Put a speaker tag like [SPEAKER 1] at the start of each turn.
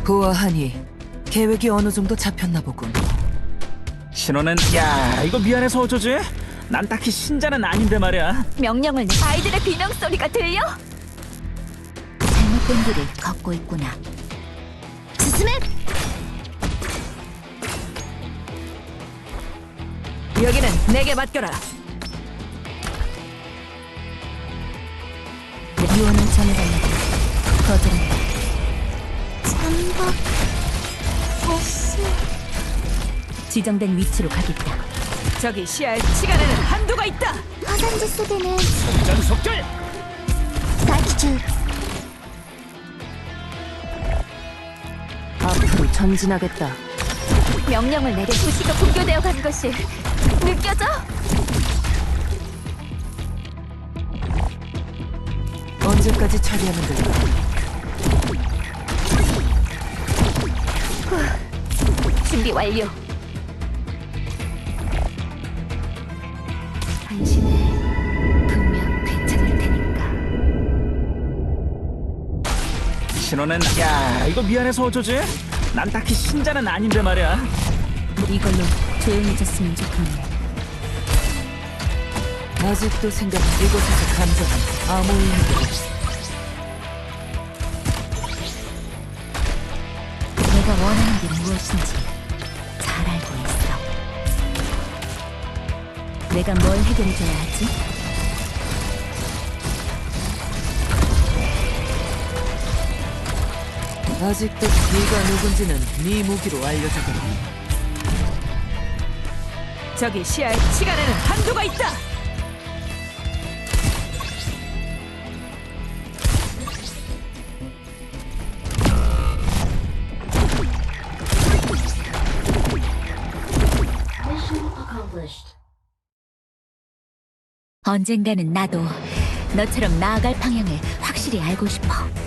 [SPEAKER 1] 보아하니 계획이 어느 정도 잡혔나 보군.
[SPEAKER 2] 신호는 야 이거 미안해서 어쩌지? 난 딱히 신자는 아닌데 말이야.
[SPEAKER 3] 명령을 아이들의 비명 소리가 들려?
[SPEAKER 4] 잘못된 길을 걷고 있구나. 스스메!
[SPEAKER 3] 여기는 내게 맡겨라.
[SPEAKER 4] 유언을 전해달라고 거절한다. 잠복 보스 지정된 위치로 가겠다.
[SPEAKER 3] 저기 시야의 시간에는 한도가 있다.
[SPEAKER 4] 화산지 속에는
[SPEAKER 2] 속전속결.
[SPEAKER 4] 사주
[SPEAKER 1] 앞으로 전진하겠다.
[SPEAKER 3] 명령을 내려 도시가 붕괴되어 가는 것이 느껴져?
[SPEAKER 1] 언제까지 처리하면 될까?
[SPEAKER 3] 준비 완료.
[SPEAKER 4] 당신은 분명 괜찮을 테니까.
[SPEAKER 2] 신호는 야 이거 미안해서 어쩌지? 난 딱히 신자는 아닌데 말이야.
[SPEAKER 4] 이걸로 조용해졌으면 좋겠네.
[SPEAKER 1] 아직도 이곳에서 감정은 아무 의미도 없어.
[SPEAKER 4] 내가 원하는 게 무엇인지 잘 알고 있어. 내가 뭘 해결해줘야 하지?
[SPEAKER 1] 아직도 네가 누군지는 네 무기로 알려주거라.
[SPEAKER 3] 저기 시야의 시간에는 한도가 있다.
[SPEAKER 4] 언젠가는 나도 너처럼 나아갈 방향을 확실히 알고 싶어.